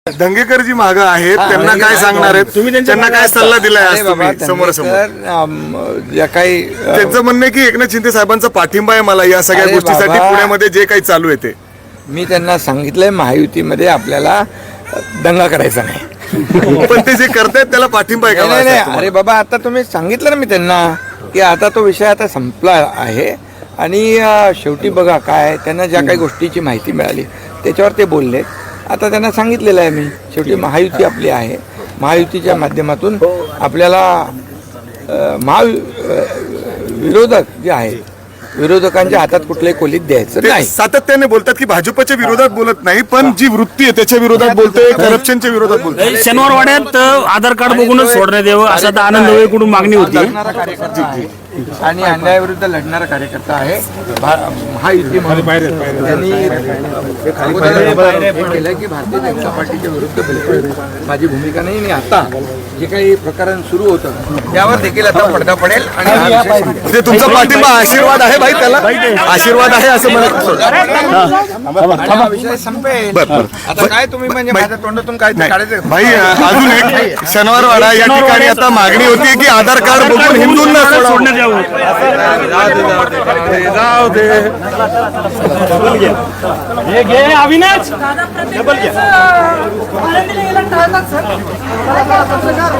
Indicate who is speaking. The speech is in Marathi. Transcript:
Speaker 1: दंगेकर जी मागं आहेत त्यांना काय सांगणार आहेत तुम्ही, त्यांना काय सल्ला दिलाय आज तुम्ही समोर समोर?
Speaker 2: या काही
Speaker 1: त्यांचं म्हणणं आहे की एकनाथ शिंदे साहेबांचा पाठिंबा आहे मला या सगळ्या
Speaker 2: अरे
Speaker 1: गोष्टीसाठी,
Speaker 2: बाबा.
Speaker 1: पुण्यामध्ये जे काही चालू आहे ते.
Speaker 2: मी त्यांना सांगितलंय महायुतीमध्ये आपल्याला दंगा करायचा नाही.
Speaker 1: पण ते जे करतायत त्याला पाठिंबा आहे का?
Speaker 2: नाही,
Speaker 1: बाळासाहेब
Speaker 2: अरे बाबा, आता तुम्ही सांगितलं ना मी त्यांना की आता तो विषय आता संपला आहे आणि शेवटी बघा काय त्यांना ज्या काही गोष्टीची माहिती मिळाली त्याच्यावर ते बोलले. आता त्यांना सांगितलेलं आहे मी, शेवटी महायुती आपली आहे, महायुतीच्या माध्यमातून आपल्याला विरोधक जे आहेत विरोधकांच्या हातात कुठल्याही खोलीत द्यायचं
Speaker 1: ते
Speaker 2: नाही.
Speaker 1: सातत्याने बोलतात की भाजपच्या विरोधात बोलत नाही, पण जी वृत्ती आहे त्याच्या विरोधात बोलते, करप्शनच्या विरोधात बोलते.
Speaker 3: शनिवार वाड्यात आधार कार्ड बघूनच सोडण्यात यावं असं तर आनंद वेळेकडून मागणी होती.
Speaker 2: लढणारा कार्यकर्ता आहे आणि अन्यायाविरुद्ध लढणारा कार्यकर्ता आहे. महायुती म्हणून त्यांनी हे केलं की भारतीय जनता पार्टीच्या विरुद्ध बिलकुल माझी भूमिका नाही. आणि आता जे काही प्रकरण सुरू होतं त्यावर देखील आता पडदा पडेल आणि हा विषय संपेल.
Speaker 1: म्हणजे तुमचा पाठिंबा आशीर्वाद आहे भाई, त्याला आशीर्वाद आहे असं म्हणत.
Speaker 2: आणि हा विषय संपेल. आता काय तुम्ही म्हणजे माझ्या तोंडातून काय ते काढायचं?
Speaker 1: भाई अजून एक शनिवारवाडा या ठिकाणी आता मागणी होती की आधार कार्ड बघून हिंदूंना
Speaker 3: सोडण्यात यावं.
Speaker 1: जाऊ दे.
Speaker 3: हे घे अविनाश.
Speaker 4: दादा प्रत्येक वेळेस आनंदीला गेला टाळतात सर.